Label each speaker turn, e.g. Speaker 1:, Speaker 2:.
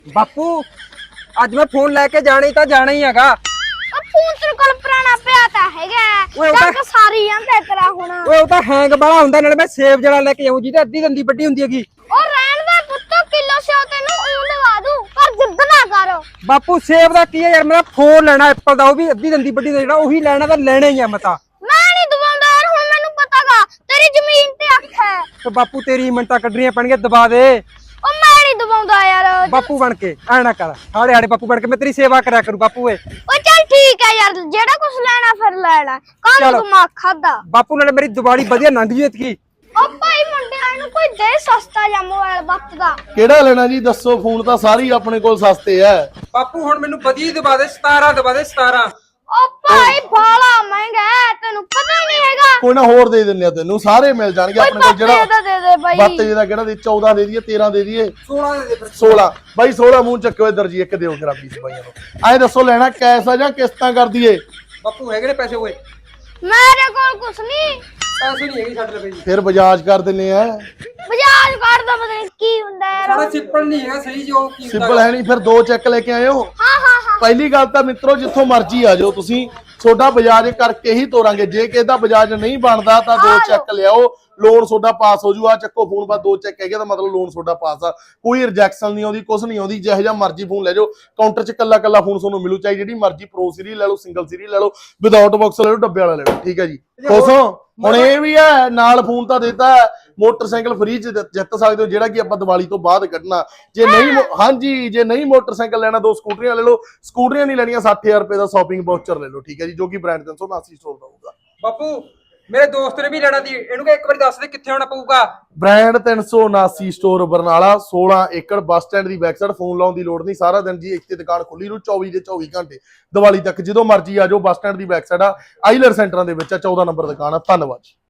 Speaker 1: ਬਾਪੂ ਅੱਜ ਮੈਂ ਫੋਨ ਲੈ ਕੇ ਜਾਣਾ ਹੀ ਹੈਗਾ।
Speaker 2: ਫੋਨ ਤੇਰੇ ਕੋਲ ਪੁਰਾਣਾ ਪਿਆ ਤਾਂ ਹੈਗਾ ਚੱਕ ਸਾਰੀ ਜਾਂਦਾ ਤੇਰਾ ਹੁਣ।
Speaker 1: ਓਏ ਉਹ ਤਾਂ ਹੈਂਗ ਬੜਾ ਹੁੰਦਾ, ਨਾਲੇ ਮੈਂ ਸੇਬ ਜਿਹੜਾ ਲੈ ਕੇ ਆਉਂ ਜਿਹਦੇ ਅੱਧੀ ਦੰਦੀ ਵੱਡੀ ਹੁੰਦੀ ਹੈਗੀ।
Speaker 2: ਉਹ ਰਹਿਣ ਦੇ ਪੁੱਤ, ਕਿਲੋ ਸਿਓ ਤੈਨੂੰ ਉਹ ਲਵਾ ਦੂੰ, ਪਰ ਜਿੱਦ ਨਾ ਕਰ।
Speaker 1: ਬਾਪੂ ਸੇਬ ਦਾ ਕੀ ਹੈ ਯਾਰ, ਮੇਰਾ ਫੋਨ ਲੈਣਾ ਐਪਲ ਦਾ, ਉਹ ਵੀ ਅੱਧੀ ਦੰਦੀ ਵੱਡੀ ਦਾ, ਜਿਹੜਾ ਉਹੀ ਲੈਣਾ ਤਾਂ ਲੈਣਾ ਹੀ ਆ ਮੈਂ ਤਾਂ।
Speaker 2: ਮੈਂ ਨਹੀਂ ਦਵਾਉਂਦਾ ਯਾਰ, ਹੁਣ ਮੈਨੂੰ ਪਤਾਗਾ ਤੇਰੀ ਜ਼ਮੀਨ ਤੇ ਅੱਖ ਹੈ।
Speaker 1: ਤੇ ਬਾਪੂ ਤੇਰੀ ਮਿੰਟਾਂ ਕੱਢਣੀਆਂ ਪੈਣਗੀਆਂ, ਦਬਾ ਦੇ।
Speaker 2: ਉਹ ਮੈਂ ਨਹੀਂ ਦਵਾਉਂਦਾ ਯਾਰ।
Speaker 1: ਬਾਪੂ ਬਣ ਕੇ ਐ ਨਾ ਕਰ, ਹਾੜੇ ਹਾੜੇ ਬਾਪੂ ਬਣ ਕੇ ਮੈਂ ਤੇਰੀ ਸੇਵਾ ਕਰਿਆ ਕਰੂ ਬਾਪੂ ਏ।
Speaker 2: ਉਹ ਚੱਲ ਠੀਕ ਹੈ ਯਾਰ, ਜਿਹੜਾ ਕੁਝ ਲੈਣਾ ਫਿਰ ਲੈਣਾ, ਕਾਹਨੂੰ ਦਿਮਾਗ ਖਾਦਾ।
Speaker 1: ਬਾਪੂ ਨਾਲੇ ਮੇਰੀ ਦੀਵਾਲੀ ਵਧੀਆ ਲੰਘ ਜੂ ਇਤਕੀ।
Speaker 2: ਉਹ ਭਾਈ ਮੁੰਡਿਆਂ ਨੂੰ ਕੋਈ ਦੇ ਸਸਤਾ ਜਾਂ ਮੋਬਾਈਲ ਵਕਤ ਦਾ।
Speaker 3: ਕਿਹੜਾ ਲੈਣਾ ਜੀ ਦੱਸੋ, ਫੋਨ ਤਾਂ ਸਾਰੇ ਹੀ ਆਪਣੇ ਕੋਲ ਸਸਤੇ ਆ।
Speaker 1: ਬਾਪੂ ਹੁਣ ਮੈਨੂੰ ਵਧੀਆ ਦਬਾ ਦੇ, 17 ਦਬਾ ਦੇ 17।
Speaker 2: ਉਹ ਭਾਈ ਬਾਲਾ ਮਹਿੰਗਾ ਹੈ, ਤੈਨੂੰ ਪਤਾ ਨਹੀਂ ਹੈਗਾ।
Speaker 3: ਕੋਈ ਨਾ ਹੋਰ ਦੇ ਦਿੰਨੇ ਆ ਤੈਨੂੰ, ਸਾਰੇ ਮਿਲ ਜਾਣਗੇ ਆਪਣੇ ਕੋਲ। ਜਿਹੜਾ
Speaker 2: ਦੇ ਦੇ ਬਾਈ,
Speaker 3: ਬੱਤ ਜਿਹਦਾ ਕਿਹੜਾ ਦੇ 14 ਦੇ ਦਈਏ, 13 ਦੇ ਦਈਏ,
Speaker 1: 16 ਦੇ ਦੇ ਫਿਰ।
Speaker 3: 16 ਬਾਈ 16 ਮੂੰਹ ਚੱਕਿਓ ਇੱਧਰ ਜੀ, ਇੱਕ ਦਿਓ ਖਰਾਬੀ ਸਪਾਈਆਂ ਨੂੰ। ਐ ਦੱਸੋ ਲੈਣਾ ਕੈਸ਼ ਆ ਜਾਂ ਕਿਸ਼ਤਾਂ ਕਰ ਦਈਏ?
Speaker 1: ਬਾਪੂ ਹੈਗੇ ਨੇ ਪੈਸੇ? ਓਏ
Speaker 2: ਮੇਰੇ ਕੋਲ ਕੁਛ ਨਹੀਂ,
Speaker 1: ਪੈਸੇ ਨਹੀਂ ਹੈਗੇ ਛੱਡ ਲੈ ਬਈ।
Speaker 3: ਫਿਰ ਬਜਾਜ ਕਰ ਦਿੰਨੇ ਆ।
Speaker 2: ਬਜਾਜ ਕਾਰਡ ਦਾ ਪਤਾ ਨਹੀਂ ਕੀ ਹੁੰਦਾ ਯਾਰ।
Speaker 1: ਸਾਡਾ ਸਿੱਪਲ ਨਹੀਂ ਹੈਗਾ ਸਹੀ, ਜੋ ਕੀ ਹੁੰਦਾ
Speaker 3: ਸਿੰਪਲ ਹੈ ਨਹੀਂ, ਫਿਰ 2 ਚੈੱਕ ਲੈ ਕੇ ਆਇਓ।
Speaker 2: ਹਾਂ
Speaker 3: ਪਹਿਲੀ ਗੱਲ ਤਾਂ ਮਿੱਤਰੋ, ਜਿੱਥੋਂ ਮਰਜ਼ੀ ਆ ਜਾਓ ਤੁਸੀਂ, ਤੁਹਾਡਾ ਬਜਾਜ ਕਰਕੇ ਹੀ ਤੋਰਾਂਗੇ। ਜੇ ਕਿਸੇ ਦਾ ਬਜਾਜ ਨਹੀਂ ਬਣਦਾ ਤਾਂ 2 ਚੈੱਕ ਲਿਆਓ, ਲੋਨ ਤੁਹਾਡਾ ਪਾਸ ਹੋ ਜੂ। ਆ ਚੱਕੋ ਫੋਨ ਬਾਅਦ 2 ਚੈੱਕ ਹੈਗੇ ਤਾਂ ਮਤਲਬ ਲੋਨ ਤੁਹਾਡਾ ਪਾਸ ਆ। ਕੋਈ ਰਿਜੈਕਸ਼ਨ ਨਹੀਂ ਆਉਂਦੀ, ਕੁਝ ਨਹੀਂ ਆਉਂਦੀ। ਜਿਹੋ ਜਿਹਾ ਮਰਜ਼ੀ ਫੋਨ ਲੈ ਜਾਓ, ਕਾਊਂਟਰ 'ਚ ਕੱਲਾ ਫੋਨ ਤੁਹਾਨੂੰ ਮਿਲੂ, ਚਾਹੇ ਜਿਹੜੀ ਮਰਜ਼ੀ ਪ੍ਰੋ ਸੀਰੀਜ਼ ਲੈ ਲਓ, ਸਿੰਗਲ ਸੀਰੀਜ਼ ਲੈ ਲਓ, ਵਿਦਆਊਟ ਬਾਕਸ ਲੈ ਲਓ, ਡੱਬੇ ਵਾਲਾ ਲੈ ਲਓ। ਠੀਕ ਹੈ ਜੀ, ਖੁਸ਼ੋ ਹੁਣ ਇਹ ਵੀ ਹੈ ਨਾਲ ਫੋਨ ਤਾਂ ਦਿੱਤਾ, ਮੋਟਰਸਾਈਕਲ ਫ੍ਰੀ 'ਚ ਜਿੱਤ ਸਕਦੇ ਹੋ, ਜਿਹੜਾ ਕਿ ਆਪਾਂ ਦੀਵਾਲੀ ਤੋਂ ਬਾਅਦ ਕੱਢਣਾ। ਜੇ ਨਹੀਂ ਹਾਂਜੀ, ਜੇ ਨਹੀਂ ਮੋਟਰਸਾਈਕਲ ਲੈਣਾ, 2 ਸਕੂਟਰੀਆਂ ਲੈ ਲਓ। ਸਕੂਟਰੀਆਂ ਨਹੀਂ ਲੈਣੀਆਂ, 60,000 ਰੁਪਏ ਦਾ ਸ਼ਾਪਿੰਗ ਵਾਊਚਰ ਲੈ ਲਓ। ਠੀਕ ਹੈ ਜੀ, ਜੋ ਕਿ ਬ੍ਰਾਂਡ 379 ਸਟੋਰ ਦਾ ਹੋਊਗਾ।
Speaker 1: ਬਾਪੂ ਮੇਰੇ ਦੋਸਤ ਨੇ ਵੀ ਲੈਣਾ ਸੀ, ਇਹਨੂੰ ਕਿ ਇੱਕ ਵਾਰੀ ਦੱਸ ਦੇ ਕਿੱਥੇ ਆਉਣਾ ਪਊਗਾ।
Speaker 3: ਬ੍ਰਾਂਡ 379 ਸਟੋਰ ਬਰਨਾਲਾ, 16 ਏਕੜ ਬੱਸ ਸਟੈਂਡ ਦੀ ਬੈਕ ਸਾਈਡ। ਫੋਨ ਲਾਉਣ ਦੀ ਲੋੜ ਨਹੀਂ, ਸਾਰਾ ਦਿਨ ਜੀ ਇੱਥੇ ਦੁਕਾਨ ਖੁੱਲੀ ਰੂ 24 ਦੇ 24 ਘੰਟੇ ਦੀਵਾਲੀ ਤੱਕ। ਜਦੋਂ ਮਰਜ਼ੀ ਆ ਜਾਓ, ਬੱਸ ਸਟੈਂਡ ਦੀ ਬੈਕ ਸਾਈਡ ਆ, ਆਈਲਰ ਸੈਂਟਰਾਂ ਦੇ ਵਿੱਚ ਆ, 14 ਨੰਬਰ ਦੁਕਾਨ ਆ। ਧੰਨਵਾਦ।